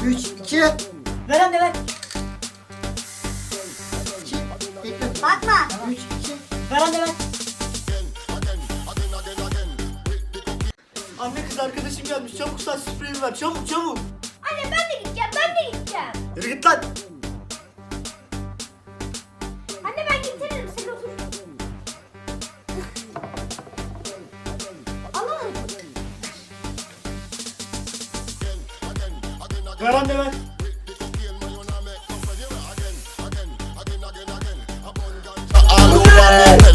3, 2. Ver anne ver. 2. Bekle. Bakma. 3, 2. Ver anne ver. Anne kız arkadaşım gelmiş. Çabuk saç spreyimi ver. Çabuk çabuk. Anne ben de gideceğim. Ben de gideceğim. Yürü git lan. Anne ben getiririm. Sen otur. Alalım. Ver anne ver. All over me,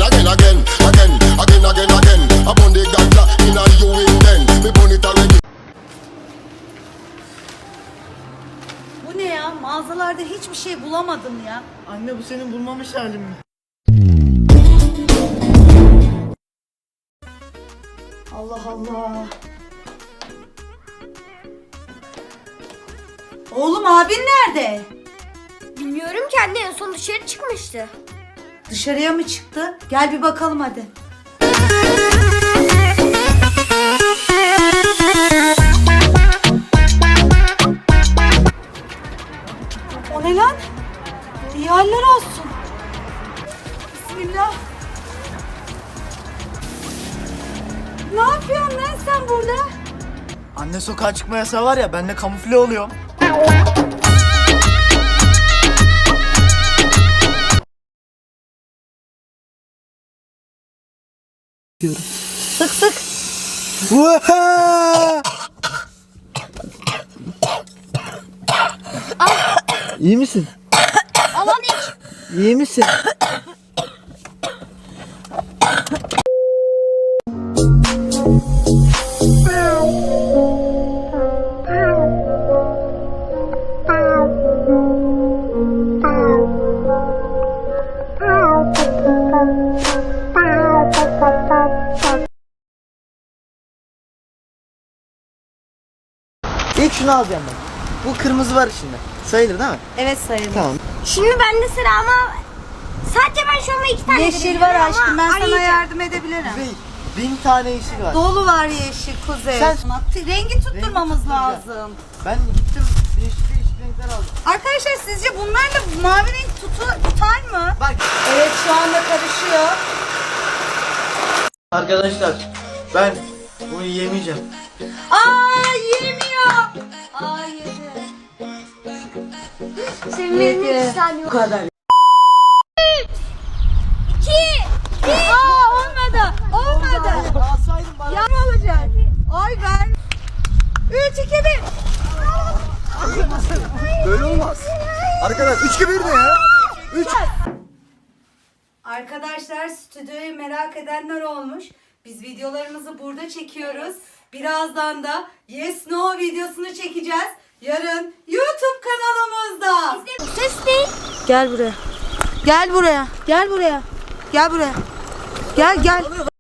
again. Upon the ganja, in a you in then. Me burn it already. Bu ne ya? Mağazalarda hiçbir şey bulamadım ya. Anne bu senin bulmamış halin mi? Allah Allah. Oğlum abin nerede? Bilmiyorum ki anne, en son dışarı çıkmıştı. Dışarıya mı çıktı? Gel bir bakalım hadi. O ne lan? İyi haller olsun. Bismillah. Ne yapıyorsun lan sen burada? Anne sokağa çıkma yasağı var ya, ben de kamufle oluyorum. Sık sık. İyi misin? Aman iç. İyi misin? İlk şunu alacağım ben. Bu kırmızı var içinde. Sayılır değil mi? Evet sayılır. Tamam. Şimdi bende sıra ama sadece ben şu anda 2 tane Yeşil verebilirim var ama aşkım, ben sana arayacağım. yardım edebilirim. Değil. 1000 tane yeşil var. Dolu var yeşil kuzey. Sen- Rengi tutturmamız Rengi lazım. Ben gittim değişik renkler aldım. Arkadaşlar sizce bunlar da mavi renk tutar mı? Bak. Evet şu anda karışıyor. Arkadaşlar ben bunu yemeyeceğim. Aa yemiyor. Aa yedi. Senin benim Yedi. 2 tane yok. Bu kadar. 2. Aa olmadı. Olmadı. Alsaydım bana. Yan olacak. Ay ver. 3 2 1. Böyle olmaz. Arkadaş 3 gibi ne ya? 3. Arkadaşlar stüdyoyu merak edenler olmuş. Biz videolarımızı burada çekiyoruz. Birazdan da Yes No videosunu çekeceğiz. Yarın YouTube kanalımızda. Bu ses değil. Gel buraya. Gel buraya. Gel buraya. Gel buraya. Gel gel.